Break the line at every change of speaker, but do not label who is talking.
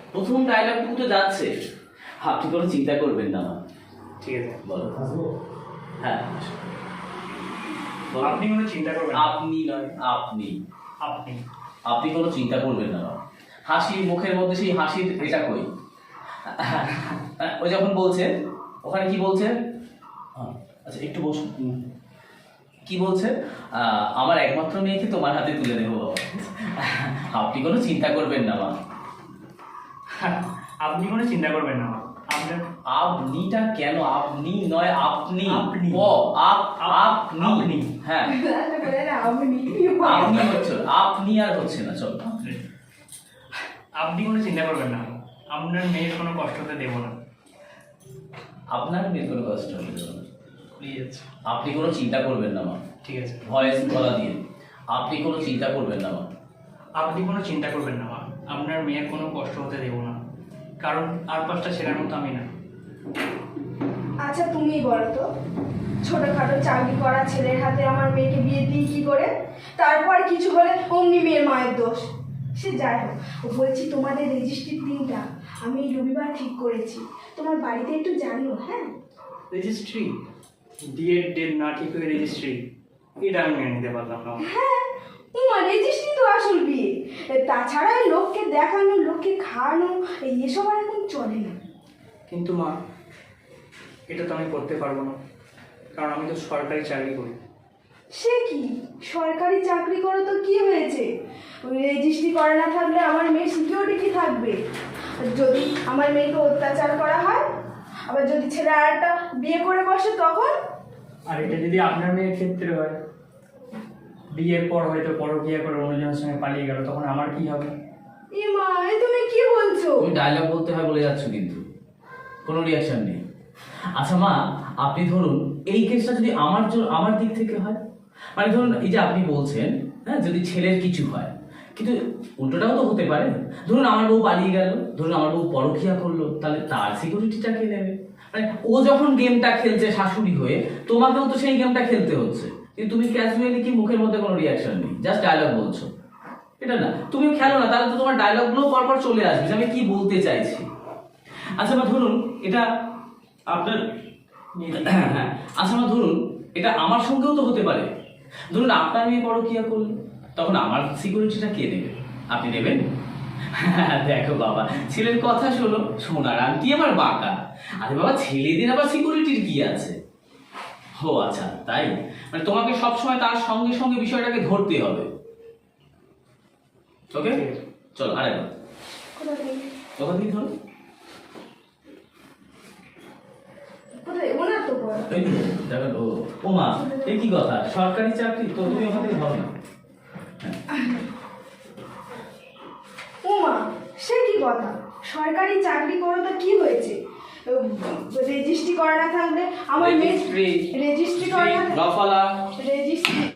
প্রথম ডায়লগটুকু তো যাচ্ছে। আপনি কোনো চিন্তা করবেন না মা।
ঠিক আছে,
বলো। হ্যাঁ,
আপনি কোনো চিন্তা করবেন না।
আপনি নয়, আপনি
আপনি
আপনি কোনো চিন্তা করবেন না মা। হাসি মুখের মধ্যে সেই হাসির এটা কই? ওই যখন বলছে ওখানে কি বলছে? আচ্ছা একটু বসুন। কি বলছে? আমার একমাত্র মেয়েকে তোমার হাতে তুলে দেবো বাবা। আপনি কোনো চিন্তা করবেন না মা।
আপনি কোনো চিন্তা করবেন না। আপনার
আপনিটা কেন? আপনি নয়, আপনি।
আপনি।
আপনি। হ্যাঁ, আপনি হচ্ছে, আপনি আর হচ্ছে না। চল,
আপনি কোনো চিন্তা করবেন না। আপনার মেয়ের কোনো কষ্ট হতে দেবো না।
আপনার মেয়ের কোনো কষ্ট হবে না।
প্লিজ।
আপনি কোনো চিন্তা করবেন না মা।
ঠিক আছে,
ভয়েস গলা দিয়ে আপনি কোনো চিন্তা করবেন না মা।
আপনি কোনো চিন্তা করবেন না মা। আপনার মেয়ের কোনো কষ্ট হতে দেবো না, কারণ আর পাঁচটা ছেলের মতো আমি না।
আচ্ছা তুমি বলো তো, ছোটখাটো চাকরি করা ছেলের হাতে আমার মেয়েকে বিয়ে দিই কি করে? তারপর কিছু হলে অমনি মেয়ের মায়ের দোষ। সে যাই হোক, বলছি তোমাদের রেজিস্ট্রির দিনটা আমি এই রবিবার ঠিক করেছি, তোমার বাড়িতে একটু জানিও। হ্যাঁ,
রেজিস্ট্রি, বিয়ের ডেট না ঠিক হয়ে রেজিস্ট্রি, এটা আমি মেনে নিতে পারলাম না।
হ্যাঁ, তোমার রেজিস্ট্রি তো আসল বিয়ে। তাছাড়া লোককে দেখানো, লোককে খাওয়ানো এসব আর এখন চলে না।
কিন্তু মা, এটা তো আমি করতে পারবো না, কারণ আমি তো সরকারি চাকরি করি।
সে কি, সরকারি চাকরি করো তো কি হয়েছে? রেজিস্ট্রি করা না থাকলে আমার মেয়ের সিকিউরিটি কি থাকবে? যদি আমার মেয়েকে অত্যাচার করা হয়, আবার যদি ছেলে আর একটা বিয়ে করে বসে তখন?
আর এটা যদি আপনার মেয়ের ক্ষেত্রে হয়, বিয়ের পর হয়তো পরকীয়া করে অন্যজনের সঙ্গে পালিয়ে গেল, তখন আমার কি হবে?
এ মা, এ তুমি কি বলছো?
তুমি ডায়লগ বলতে হয় বলে যাচ্ছ, কিন্তু কোনো রিয়াকশন নেই। আচ্ছা মা, আপনি ধরুন এই কেসটা যদি আমার দিক থেকে হয়, মানে ধরুন এই যে আপনি বলছেন, হ্যাঁ, যদি ছেলের কিছু হয়, কিন্তু উল্টোটাও তো হতে পারে। ধরুন আমার বউ পালিয়ে গেল, ধরুন আমার বউ পরকীয়া করলো, তাহলে তার সিকিউরিটিটা কে নেবে? মানে ও যখন গেমটা খেলছে শাশুড়ি হয়ে, তোমাকেও তো সেই গেমটা খেলতে হচ্ছে, কিন্তু তুমি ক্যাজুয়ালি কি মুখের মধ্যে কোনো রিয়াকশন নেই, জাস্ট ডায়লগ বলছো। এটা না, তুমি খেলো না, তাহলে তো তোমার ডায়লগগুলো পরপর চলে আসবে যে আমি কি বলতে চাইছি। আচ্ছা বা ধরুন এটা আপনার, হ্যাঁ, আচ্ছা বা ধরুন এটা আমার সঙ্গেও তো হতে পারে। ধরুন আপনার মেয়ে পরকীয়া করলো, তখন আমার সিকিউরিটিটা কে নেবে? আপনি নেবেন? দেখো বাবা, ছেলের কথা শোনো, সোনার আংটি আবার বাঁকা। আরে বাবা, ছেলেদের আবার সিকিউরিটির কি আছে? ও আচ্ছা, তাই? মানে তোমাকে সবসময় তার সঙ্গে সঙ্গে বিষয়টাকে ধরতে হবে। ওকে, চলো আরেকবার
কোথা থেকে?
কথা দিয়ে ধরো।
কোথায়? ওনার তো বল।
এই তো, দেখেন, ও মা, এই কি কথা? সরকারি চাকরি তো, তুমি ওখান থেকে ধরো না।
ও মা, সে কি কথা? সরকারি চাকরি করো তো কি হয়েছে? রেজিস্ট্রি করা না থাকলে আমার মেয়ে রেজিস্ট্রি করা না
রফালা
রেজিস্ট্রি